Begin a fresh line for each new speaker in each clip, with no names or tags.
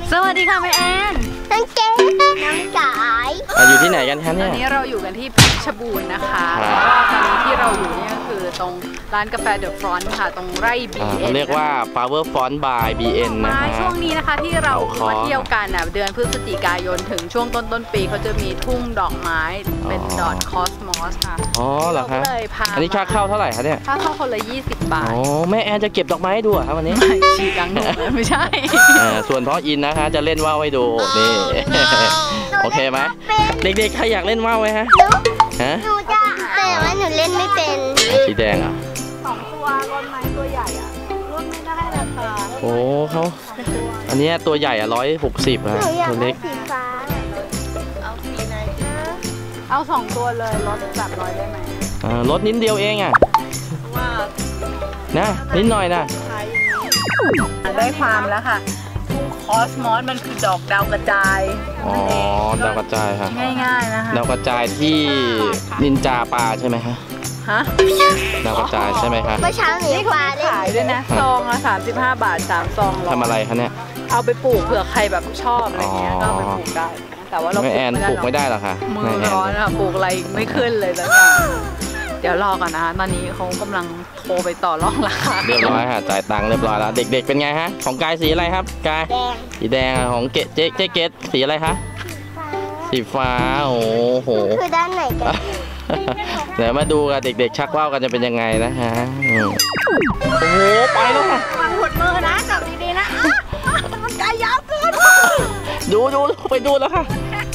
สวัสดีค่ะแม่แอน
น้องเจ๊น้องจ๋าย
อยู่ที่ไหนกันคะเนี่ย
ตอนนี้เราอยู่กันที่เพชรบูรณ์นะคะแล้วก็ตอนนี้ที่เราอยู่เนี่ยก็คือตรงร้านกาแฟเดอะฟรอนต์ค่ะตรงไร่ BN
เรียกว่า Flower Front by BN นะฮะ
ช่วงนี้นะคะที่เรามาเที่ยวกันเดือนพฤศจิกายนถึงช่วงต้นปีเขาจะมีทุ่งดอกไม้เป็นดอกคอสมอสค่ะ
อ๋อเหรอคะอันนี้ค่าเข้าเท่าไหร่คะเนี่ย
ค่าเข้าคนละ20 บาท
อ๋อแม่แอนจะเก็บดอกไม้ให้ดูครับวันนี้
ไม่ฉีกกังหนูไม่ใช่
ส่วนพ่ออินนะคะจะเล่นว่าวให้ดูนี่โอเคไหมเด็กๆใครอยากเล่นว่าวไหมฮะ
หนูจะแต่ว่าหนูเล่นไม่เป็น
สีแดงอ่ะ
2 ตัวรถไม้ตัวใหญ่อ่ะรถไม่ได้ราคา
โอ้เขาอันนี้ตัวใหญ่อ่ะ160อ่ะตัวเล็ก
สีฟ้า
เอาสีไหนเอา2 ตัวเลยรถแบบ100ได้ไหม
รถนิดเดียวเองอ่ะว่านะนิดหน่อยนะ
ได้ความแล้วค่ะทุ่งคอสมอสมันคือดอกดาวกระจาย
อ๋อดาวกระจายค่ะ
ง่ายๆนะคะ
ดาวกระจายที่นินจาปลาใช่ไหมคะ
ฮะ
ดาวกระจายใช่ไหมคะ
เมื่อเช้าหนู
ปลาขายด้วยนะซองละ35 บาท3 ซอง
ทำอะไรคะเนี่ย
เอาไปปลูกเผื่อใครแบบชอบอะไรเงี้ยก็ไปปลูกได้แต่ว่าเรา
แอนปลูกไม่ได้หรอคะ
มือร้อนค่ะปลูกอะไรไม่ขึ้นเลยแล้วเนี่ยเดี๋ยวรอก่อนนะคะตอนนี้เขากำลังโทรไปต่อรองราคา
เรียบร้อยค่ะจ่ายตังค์เรียบร้อยแล้วเด็กๆเป็นไงฮะของกายสีอะไรครับกายสีแดงของเจ๊เกตสีอะไรคะสีฟ้าโอ้โห
คือด้านไหนกัน
เดี๋ยวมาดูกันเด็กๆชักว่าวกันจะเป็นยังไงนะฮะโอ้โหไปแล้วค่ะ
วางหัวมือนะจับดีๆนะมันไกลยาวเกิน
ดูไปดูแล้วค่ะ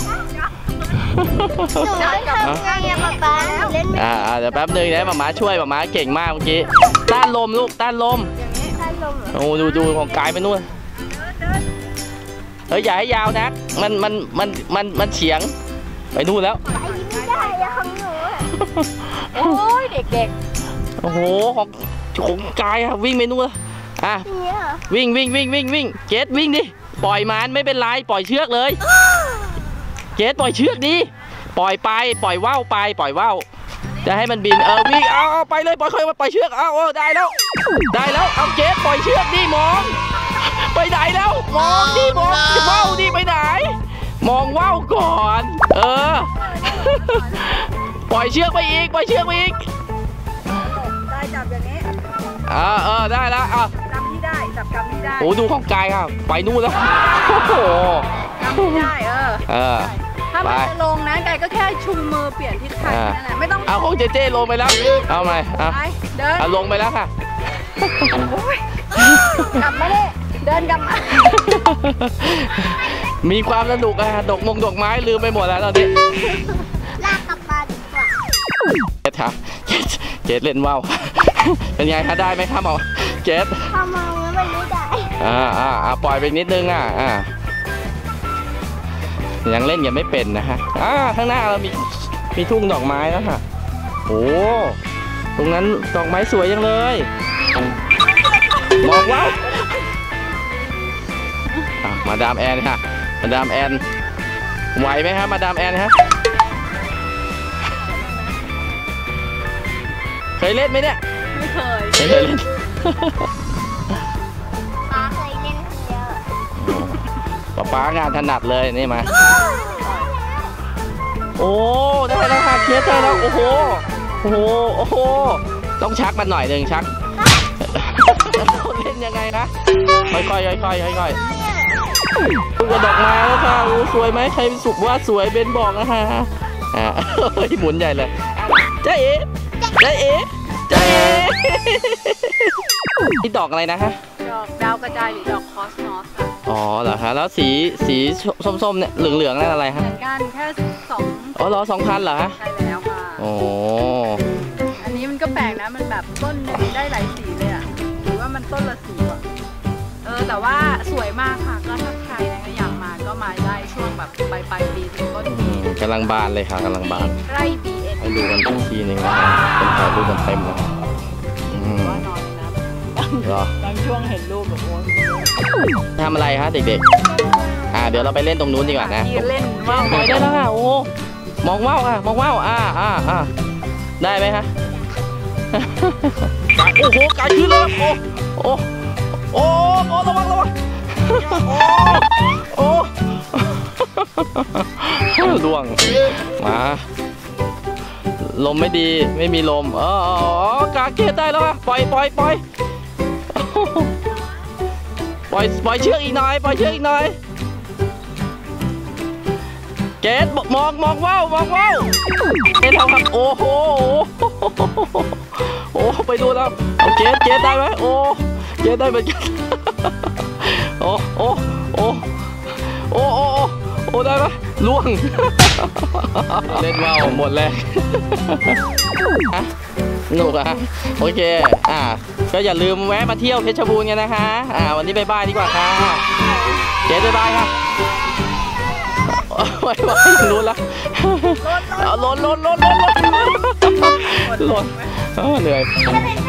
หนูทำไงอะป๊าเล่น
เดี๋ยวแป๊บนึงนะหม่าช่วยหม่าเก่งมากเมื่อกี้ต้านลมลูกต้านลมโอ้ดูของกายไปนู่นเฮ้ยอย่าให้ยาวนะมันเฉียงไปนู่นแล้ว
ไม่ได้ของหนู
โอ้ยเด็ก
ๆโอ้โหของกายอะวิ่งไปนู่นวิ่งเกตวิ่งดิปล่อยมันไม่เป็นไรปล่อยเชือกเลยเกตปล่อยเชือกดิปล่อยว่าวไปปล่อยว่าวจะให้มันบินวิ่งเอาไปเลยปล่อยเชือกได้แล้วเอาเกตปล่อยเชือกดิมองไปไหนแล้วมองดิมองว่าวดิไปไหนมองว่าวก่อนปล่อยเชือกไปอีก
ได้จับอย่างนี้
ได้แล้ว
กำที่ได้จับกำที่ได้
โอ้ดูของกายครับไปนู่นแล้วโอ้โห
กำที่ได้ถ้ามันจะลงนะไก่ก็แค่ชูมือเปลี่ยนทิศทางนั่นแหละไม่ต้อง
เอาของเจ๊ลงไปแล้วเอาไหม
เดิน
ลงไปแล้วค่ะ
กลับมาเลยเดินกลับมา
มีความสนุกดอกไม้ลืมไปหมดแล้วตอนนี้
ลากกลับมาดีกว่า
เกตเล่นว่าวเป็นไงคะได้ไหมครับหมอเกต
พอมองแล้วมันไม่
ได้ปล่อยไปนิดนึงยังเล่นยังไม่เป็นนะฮะข้างหน้าเรามีทุ่งดอกไม้แล้วค่ะโอ้ตรงนั้นดอกไม้สวยจังเลยมองว่ามาดามแอนค่ะมาดามแอนไหวไหมครับมาดามแอนฮะเคยเล่นไหมเนี่ย
ไม่เคย
เล่น
ป๊าเคยเล่นเยอะ
ป๊างานถนัดเลยนี่มาโอ้ได้แล้วค่ะเคสได้แล้วโอ้โหต้องชักมันหน่อยหนึ่งชักเล่นยังไงนะค่อยดูกระดอกไม้แล้วค่ะสวยไหมใครสุกว่าสวยเบนบอกนะฮะหมุนใหญ่เลยเจ๊นี่ดอกอะไรนะฮะ
ดอกดาวกระจายหรือดอกคอสมอสค่ะ
อ๋อเหรอคะแล้วสีส้มๆเนี่ยเหลืองนั่นอะไรฮะ
เหมือนกันแค่2
เหรอ2,000เหรอฮะ
ใช่แล้วค่ะ
โอ้
อันนี้มันก็แปลกนะมันแบบต้นนึงได้หลายสีเลยหรือว่ามันต้นละสีแต่ว่าสวยมากค่ะก็ถ้าใครนะอยากมาก็มาได้ช่วงแบบปลายปีถึงต้นปี
กำลังบานเลยค่ะกำลังบาน
ไร่ BN
ให้ดูกันอีกทีนึงนะเป็นถ่ายรูปกันเต็มเลย
ว่านอนนะบางช่วงเห็นรูปแบบโอ้
ทำอะไรคะเด็กๆเดี๋ยวเราไปเล่นตรงนู้นดีกว่านะ
เล่นว่าว
ไปได้แล้วค่ะโอ้มองว่าวได้ไหมคะโอ้โหไก่ขึ้นแล้วโอ้ระวังล่วงมาลมไม่ดีไม่มีลมกาเกตได้แล้วอะปล่อยปล่อยเชือกอีกหน่อยปล่อยเชือกอีกหน่อยเกตมองว่าวเกตทำครับโอ้โหไปดูแล้วเกตได้ไหมเกตได้เหมือนกันโอ้ได้ไหมล่วงเล่นว่าวหมดเลยสนุกอ่ะโอเคก็อย่าลืมแวะมาเที่ยวเพชรบูรณ์กันนะคะวันนี้บ๊ายบายดีกว่าค่ะเจ๊บ๊ายบายค่ะไม่รู้ละล้นเหนื่อย